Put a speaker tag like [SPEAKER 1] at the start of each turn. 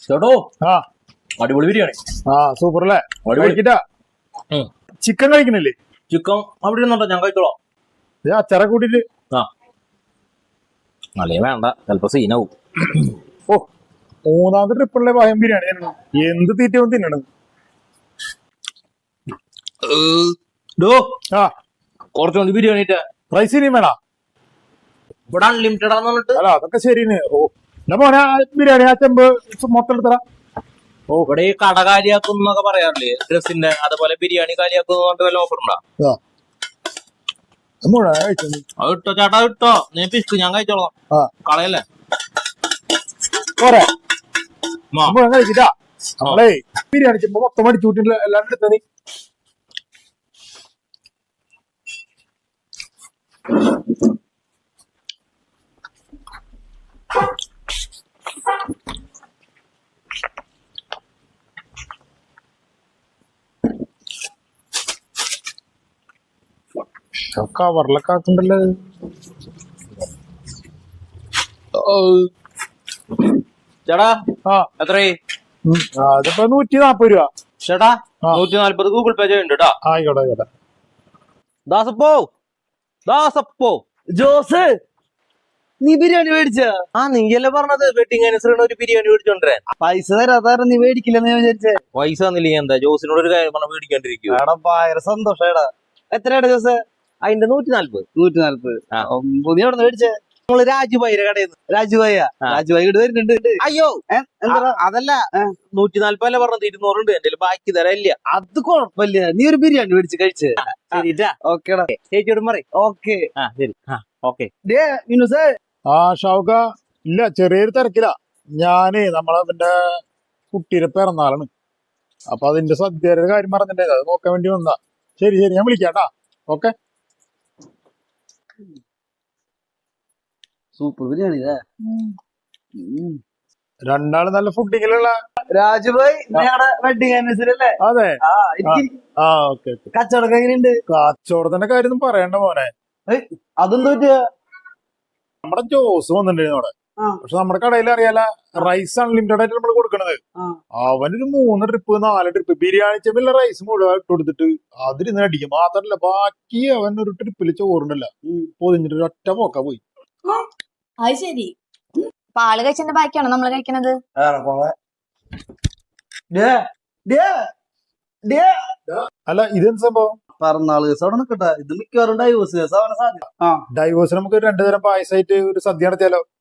[SPEAKER 1] ചേട്ടോ
[SPEAKER 2] ആ
[SPEAKER 1] അടിപൊളി ബിരിയാണി.
[SPEAKER 2] ആ സൂപ്പർ അല്ലേ? കഴിക്കട്ടാ. ചിക്കൻ കഴിക്കണില്ലേ?
[SPEAKER 1] ചിക്കൻ അവിടെ ഇരുന്നുണ്ടോ? ഞാൻ കഴിച്ചോളാം.
[SPEAKER 2] ഇത് അച്ചാറ കൂട്ടിട്ട്.
[SPEAKER 1] ആ അല്ലേ വേണ്ട, ചിലപ്പോ സീനാവും.
[SPEAKER 2] ഓ, മൂന്നാമത്തെ ട്രിപ്പിളിലെ ഭയം ബിരിയാണി തന്നെയാണ്. എന്ത് തീറ്റവും തിന്നണത്. ആ
[SPEAKER 1] കുറച്ചുകൊണ്ട് ബിരിയാണി
[SPEAKER 2] റൈസ് ഇനിയും വേണ?
[SPEAKER 1] ഇവിടെ അൺലിമിറ്റഡ് ആന്ന് പറഞ്ഞിട്ട്.
[SPEAKER 2] അല്ല അതൊക്കെ ശരിയാണ്. ഓ എന്നാ മോനെ ആ ബിരിയാണി ആ ചെമ്പ് മൊത്തം എടുത്തറ.
[SPEAKER 1] ഓ ഇവിടെ ഈ കട കാലിയാക്കും എന്നൊക്കെ പറയാറില്ലേ ഡ്രസ്സിന്റെ, അതുപോലെ ബിരിയാണി കാലിയാക്കുന്ന വല്ല ഓഫർ ഉണ്ടോ? അത് ഇട്ടോ ചേട്ടാ, ഇട്ടോ. നീ പിസ്ക്, ഞാൻ കഴിച്ചോളാം. കളയല്ലേ
[SPEAKER 2] പോരെ കഴിക്കട്ടാ. നമ്മളേ ബിരിയാണി ചെമ്പ് മൊത്തം അടിച്ചു കൂട്ടില്ല, എല്ലാം എടുത്ത നീ. കവറിലൊക്കെ ആക്കണ്ടല്ലോ.
[SPEAKER 1] ചേട്ടാ
[SPEAKER 2] ആ
[SPEAKER 1] എത്രയായി?
[SPEAKER 2] അതിപ്പോ 140 രൂപ.
[SPEAKER 1] ചേട്ടാ 140 ഗൂഗിൾ പേ ചെയ്യുന്നുണ്ട് കേട്ടോ.
[SPEAKER 2] ആയിക്കോട്ടെ ആയിക്കോട്ടെ.
[SPEAKER 1] ദാസപ്പോ ദാസപ്പോ
[SPEAKER 3] ജോസ്, നീ ബിരിയാണി മേടിച്ച?
[SPEAKER 1] ആ നീയല്ലേ പറഞ്ഞത് വെഡിങ് ആനിവേഴ്സറിന് ഒരു ബിരിയാണി മേടിച്ചോണ്ടേ.
[SPEAKER 3] പൈസ തരാതാരം നീ മേടിക്കില്ലെന്ന് ഞാൻ വിചാരിച്ചേ.
[SPEAKER 1] പൈസ തന്നില്ല എന്താ? ജോസിനോട് ഒരു കാര്യം പറഞ്ഞ മേടിക്കാണ്ടിരിക്കും.
[SPEAKER 3] എടാ ഭയങ്കര സന്തോഷടാ. എത്രയാടാ ജോസ്?
[SPEAKER 1] അതിന്റെ 140.
[SPEAKER 3] 140. പുതിയ എവിടെ മേടിച്ചേ?
[SPEAKER 1] നമ്മള് രാജുഭായിയുടെ കടയിൽ നിന്ന്.
[SPEAKER 3] രാജുഭായ? രാജുഭായി ഇവിടെ വരുന്നുണ്ട്.
[SPEAKER 1] അയ്യോ
[SPEAKER 3] എന്താ
[SPEAKER 1] അതല്ല, 140 അല്ല പറഞ്ഞത്, 200 ഉണ്ട് എന്റെ ബാക്കി തരല്ല.
[SPEAKER 3] അത് കൊഴപ്പില്ല, നീ ഒരു ബിരിയാണി മേടിച്ച് കഴിച്ചേ.
[SPEAKER 1] ശരിട്ടാ,
[SPEAKER 3] ഓക്കേടാ.
[SPEAKER 1] ചേച്ചിയോടും പറയും.
[SPEAKER 3] ഓക്കെ
[SPEAKER 1] ശരി. ഓക്കെ.
[SPEAKER 3] മിനുസേ.
[SPEAKER 2] ആ ഷൗക, ഇല്ല ചെറിയൊരു തിരക്കില്ല. ഞാനേ നമ്മളെ പിന്നെ കുട്ടിയുടെ പിറന്നാളാണ്. അപ്പൊ അതിന്റെ സദ്യയുടെ കാര്യം പറഞ്ഞിട്ടേ അത് നോക്കാൻ വേണ്ടി വന്നാ. ശരി ശരി, ഞാൻ വിളിക്കാട്ടാ. ഓക്കെ.
[SPEAKER 3] സൂപ്പർ ബിരിയാണി.
[SPEAKER 2] രണ്ടാള് നല്ല ഫുഡിങ്ങിലുള്ള.
[SPEAKER 3] രാജുഭായ് വെഡിങ് ആനിവേഴ്സറി അല്ലേ?
[SPEAKER 2] അതെ. ആ ഓക്കെ ഓക്കെ.
[SPEAKER 3] കച്ചവടം എങ്ങനെയുണ്ട്?
[SPEAKER 2] കച്ചവടത്തിന്റെ കാര്യം ഒന്നും പറയണ്ട മോനെ.
[SPEAKER 3] അതെന്താ പറ്റിയ?
[SPEAKER 2] നമ്മുടെ ജോസ് വന്നിട്ടുണ്ടായിരുന്നു അവിടെ. പക്ഷെ നമ്മുടെ കടയിൽ അറിയാല, റൈസ് അൺലിമിറ്റഡ് ആയിട്ട് നമ്മൾ കൊടുക്കണത്. അവനൊരു 3 ട്രിപ്പ് 4 ട്രിപ്പ് ബിരിയാണി ചെമ്പിലുള്ള റൈസ് മുഴുവൻ ഇട്ട് കൊടുത്തിട്ട് അതിരുന്ന് അടിക്കും. മാത്രല്ല ബാക്കി അവൻ ഒരു ട്രിപ്പില് ചോറുണ്ടല്ല പൊതിഞ്ഞിട്ട് ഒരു ഒറ്റ പോക്ക പോയി.
[SPEAKER 4] അത് ശരി. പാല് കഴിച്ചതിന്റെ ബാക്കിയാണോ നമ്മള് കഴിക്കണത്?
[SPEAKER 2] അല്ല ഇതെന്ത് സംഭവം?
[SPEAKER 3] പിറന്നാള് ദിവസം അവിടെ നിൽക്കട്ടെ. ഇത് മിക്കവാറും ഡൈവോഴ്സ് കേസ് ആവാൻ സാധ്യത.
[SPEAKER 2] ഡൈവോഴ്സ് നമുക്ക് 2 തരം പായസമായിട്ട് ഒരു സദ്യ നടത്തിയാലോ?